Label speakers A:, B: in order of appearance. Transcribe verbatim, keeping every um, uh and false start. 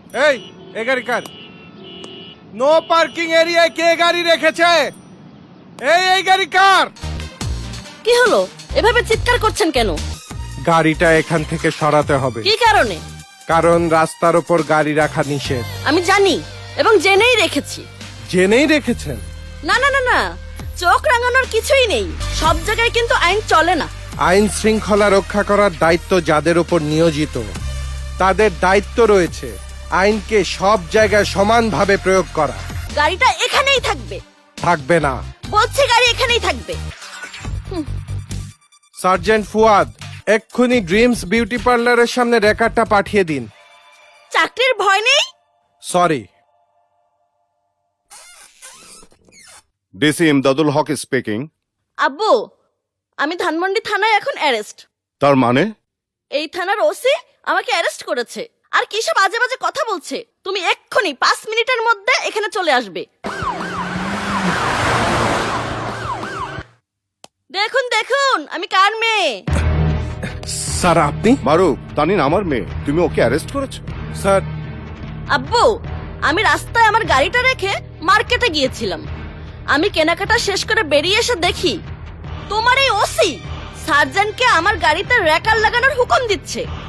A: এই এ গাড়ি কার? No parking এরিয়ায় কে গাড়ি রেখেছে? এই এই গাড়ি কার?
B: কি হলো, এভাবে চিৎকার করছেন কেন?
A: গাড়িটা এখান থেকে সরাতে হবে,
B: কি কারণে?
A: কারণ রাস্তার উপর গাড়ি রাখা নিষেধ।
B: আমি জানি এবং জেনেই রেখেছি।
A: জেনেই রেখেছেন?
B: না না না না, চোখ রাঙানোর কিছুই নেই। সব জায়গায় কিন্তু আইন চলে না।
A: আইন শৃঙ্খলা রক্ষা করার দায়িত্ব যাদের উপর নিয়োজিত, তাদের দায়িত্ব রয়েছে আইনকে সব জায়গায় সমানভাবে প্রয়োগ করা।
B: গাড়িটা এখানেই থাকবে।
A: থাকবে না।
B: বলছি গাড়ি এখানেই থাকবে।
A: সার্জেন্ট ফুয়াদ, এক্ষুনি ড্রিমস বিউটি পার্লারের সামনে রেকর্ডটা পাঠিয়ে দিন।
B: চাকরির ভয় নেই?
A: Sorry.
C: DC Imdadul Haque speaking.
B: আব্বু, আমি ধানমন্ডি থানায় এখন অ্যারেস্ট।
C: তার মানে?
B: এই থানার ওসি আমাকে অ্যারেস্ট করেছে আর কিসব বাজে বাজে কথা বলছে। তুমি এক্ষুনি পাঁচ মিনিটের মধ্যে এখানে চলে আসবে। দেখুন দেখুন আমি কার মেয়ে।
A: স্যার আপনি?
C: মারুফ, তানিন আমার মেয়ে, তুমি ওকে অ্যারেস্ট করেছো?
A: স্যার
B: আব্বু, আমি রাস্তায় আমার গাড়িটা রেখে মার্কেটে গিয়েছিলাম। আমি কেনাকাটা শেষ করে বেরিয়ে এসে দেখি তোমার এই ওসি সার্জেন্টকে আমার গাড়িতে র্যাকার লাগানোর হুকুম দিচ্ছে।